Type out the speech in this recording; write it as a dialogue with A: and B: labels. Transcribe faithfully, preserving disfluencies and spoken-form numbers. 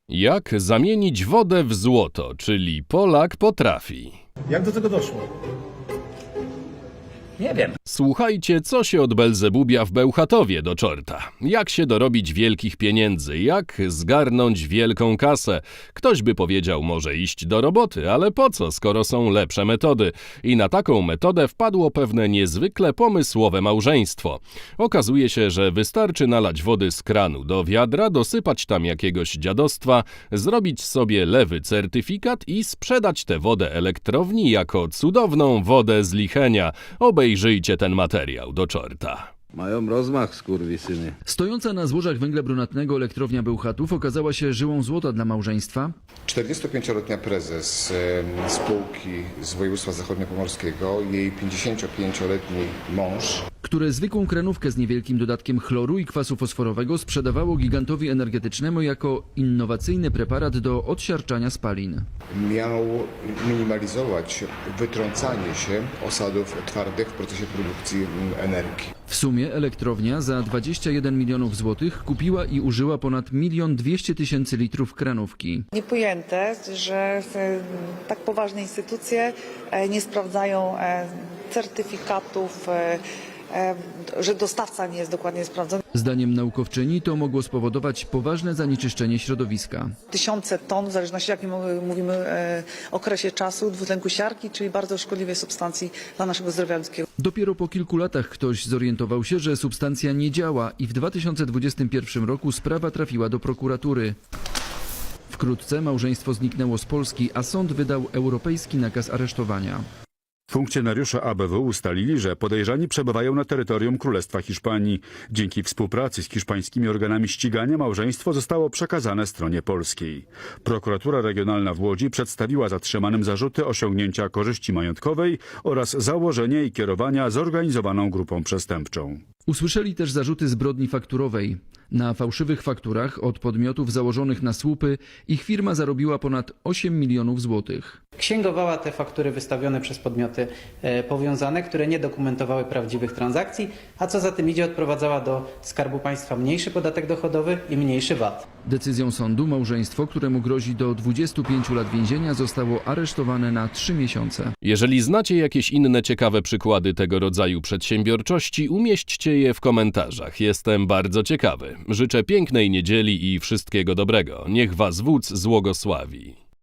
A: Jak zamienić wodę w złoto, czyli Polak potrafi.
B: Jak do tego doszło?
C: Nie wiem.
A: Słuchajcie, co się od Belzebubia w Bełchatowie do czorta. Jak się dorobić wielkich pieniędzy, jak zgarnąć wielką kasę. Ktoś by powiedział, może iść do roboty, ale po co, skoro są lepsze metody. I na taką metodę wpadło pewne niezwykle pomysłowe małżeństwo. Okazuje się, że wystarczy nalać wody z kranu do wiadra, dosypać tam jakiegoś dziadostwa, zrobić sobie lewy certyfikat i sprzedać tę wodę elektrowni jako cudowną wodę z Lichenia. Obejrzyjcie ten materiał do czorta.
D: Mają rozmach, skurwysyny.
E: Stojąca na złożach węgla brunatnego elektrownia Bełchatów okazała się żyłą złota dla małżeństwa.
F: czterdziestopięcioletnia prezes em, spółki z województwa zachodniopomorskiego, jej pięćdziesięciopięcioletni mąż.
E: Które zwykłą kranówkę z niewielkim dodatkiem chloru i kwasu fosforowego sprzedawało gigantowi energetycznemu jako innowacyjny preparat do odsiarczania spalin.
F: Miał minimalizować wytrącanie się osadów twardych w procesie produkcji em, energii.
E: W sumie elektrownia za dwadzieścia jeden milionów złotych kupiła i użyła ponad milion dwieście tysięcy litrów kranówki.
G: Niepojęte, że e, tak poważne instytucje e, nie sprawdzają e, certyfikatów, e, e, że dostawca nie jest dokładnie sprawdzony.
E: Zdaniem naukowczyni to mogło spowodować poważne zanieczyszczenie środowiska.
G: Tysiące ton, w zależności jakim mówimy e, okresie czasu, dwutlenku siarki, czyli bardzo szkodliwej substancji dla naszego zdrowia ludzkiego.
E: Dopiero po kilku latach ktoś zorientował się, że substancja nie działa i w dwa tysiące dwudziestym pierwszym roku sprawa trafiła do prokuratury. Wkrótce małżeństwo zniknęło z Polski, a sąd wydał europejski nakaz aresztowania.
H: Funkcjonariusze A B W ustalili, że podejrzani przebywają na terytorium Królestwa Hiszpanii. Dzięki współpracy z hiszpańskimi organami ścigania małżeństwo zostało przekazane stronie polskiej. Prokuratura Regionalna w Łodzi przedstawiła zatrzymanym zarzuty osiągnięcia korzyści majątkowej oraz założenia i kierowania zorganizowaną grupą przestępczą.
E: Usłyszeli też zarzuty zbrodni fakturowej. Na fałszywych fakturach od podmiotów założonych na słupy ich firma zarobiła ponad osiem milionów złotych.
C: Księgowała te faktury wystawione przez podmioty e, powiązane, które nie dokumentowały prawdziwych transakcji, a co za tym idzie, odprowadzała do Skarbu Państwa mniejszy podatek dochodowy i mniejszy V A T.
E: Decyzją sądu małżeństwo, któremu grozi do dwudziestu pięciu lat więzienia, zostało aresztowane na trzy miesiące.
A: Jeżeli znacie jakieś inne ciekawe przykłady tego rodzaju przedsiębiorczości, umieśćcie je w komentarzach. Jestem bardzo ciekawy. Życzę pięknej niedzieli i wszystkiego dobrego. Niech was wódz złogosławi.